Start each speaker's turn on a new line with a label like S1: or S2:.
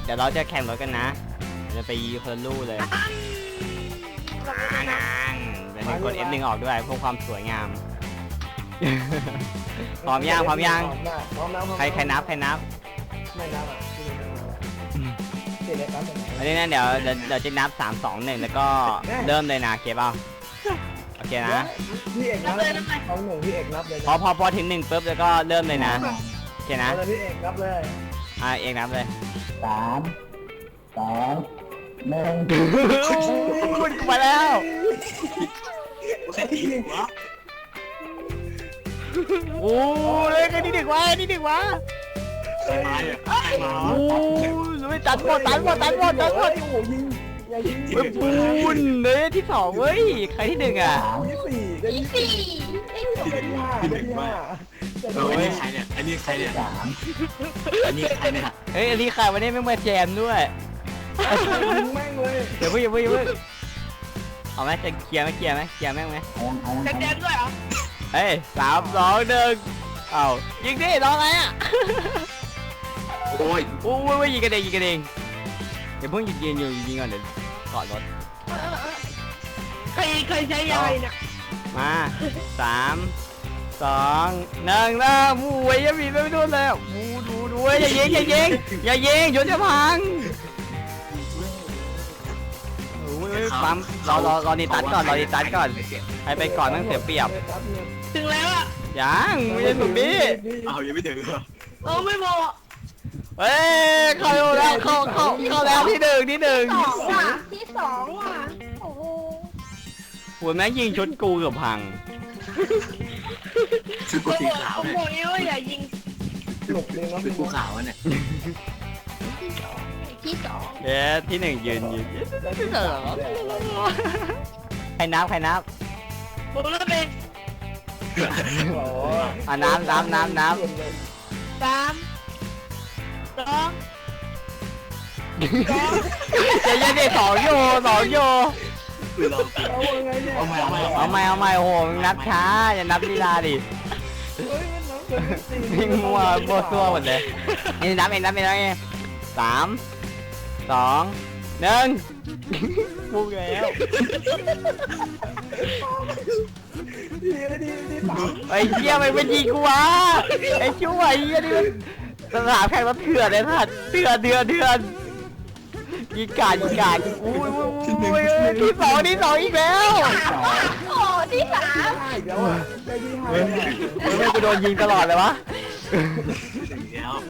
S1: ดี๋ยวเราจะแข่งรถกันนะจะไปยีคนละลู่เลยนางเป็นกด F1 ออกด้วยเพื่อความสวยงาม พร้อมยังพร้อมยัง
S2: พร้อมแล้ว
S1: ใครนับ
S2: ไม่นับอ่ะที่เล็กนับ
S1: อันนี้นะเดี๋ยวจะนับ3 2 1แล้วก็เริ่มเลยนะโอเคเปล่าโอเคนะ
S2: พี่เอกนับเลยเอาหนึ่งพี่เอกนับเลย
S1: พอถึง1ปุ๊บแล้วก็เริ่มเลยนะโอเคนะ
S2: เอาเลยพี่เอกนับเลย
S1: เอกนับเลย
S2: 3 2 1
S1: มาแล้วโอ้ยนี่ดึกวะนี่ดึกวะโอ้ยตัดหมดโอ้ยิงปูนเลยที่2เว้ยใครที่1อ่ะ
S2: ที่4ได้ที่5
S3: อันนี้ใครเนี่ยอันนี้ใครเนี่ยอันนี้ใครเนี่ย
S1: เฮ้ยอันนี้ใครวันนี้ไม่มาแจมด้วย
S2: แม่งเลย
S1: เดี๋ยวอย่าเพิ่งเอาไหมจะเคลียร์ไหมแม่งไหม
S4: จะแจมด้วยเหรอ
S1: เฮ้ย3 2 1เอายิงดิรออะไรอ่ะ
S3: โอ้ย
S1: โอ้ยยิงกันเองเดี๋ยวเพิ่งยิงอยู่ก่อนเดี๋ยวกอดรถ
S4: ใครใช้ยาเนี่ย
S1: มา3 2 1เริ่มมูยยังมีไม่โดนแล้วมูดูอย่ายิงยศจะพังโอ้ยปั๊มรอดีตัดก่อนให้ไปก่อนต้องเสียเปรียบ
S4: ถึงแล้วอ่ะ
S1: ยังไม่ใช่หนุ่มบี้
S3: เอายังไม่ถึงเหรอ
S4: ไม่บอก
S1: เฮ้ยเข้าแล้วเข้าแล้วที่หนึ่ง
S4: ที่2ว่ะโอ้โห
S1: หัวแม่งยิงชุดกูเกือบพัง
S3: ชุดกูสีขาว
S4: ผม
S3: เนี่ย
S4: บอกนี้ว่าอย่ายิง
S2: หลบเลยนะ
S3: ชุดกูขาวเนี่ย
S4: ที่สอง
S1: เอ๊ะที่1ยืนใครนับ
S4: ผมเริ่มเป็น
S1: น้ำ
S4: 3 2
S1: จะยันได้2 โย
S3: คือเรา
S2: เอาไงเนี่ย
S3: เอาใหม่
S1: เอาใหม่โอ้โหนับช้าอย่านับลีลาดิ
S2: เฮ้ยมันน้องเป็น4
S1: วิ่งมัวตัวหมดเลยนี่นับเอง3 2 1พูดแล้ว
S2: ดี
S1: ไอ้เหี้ยมันเป็นยิงกูวะไอ้ช่วยไอ้นี่มันสนามแข่งรถเถื่อนเลยสัตว์เถื่อนยิงกาดอุ้ยที่สองอีกแล้ว
S4: โอ้ที่3
S2: ได้อีกแล้วอ่ะได้ที่5
S1: ไม่กูโดนยิงตลอดเลยวะ
S3: ถึงแล้ว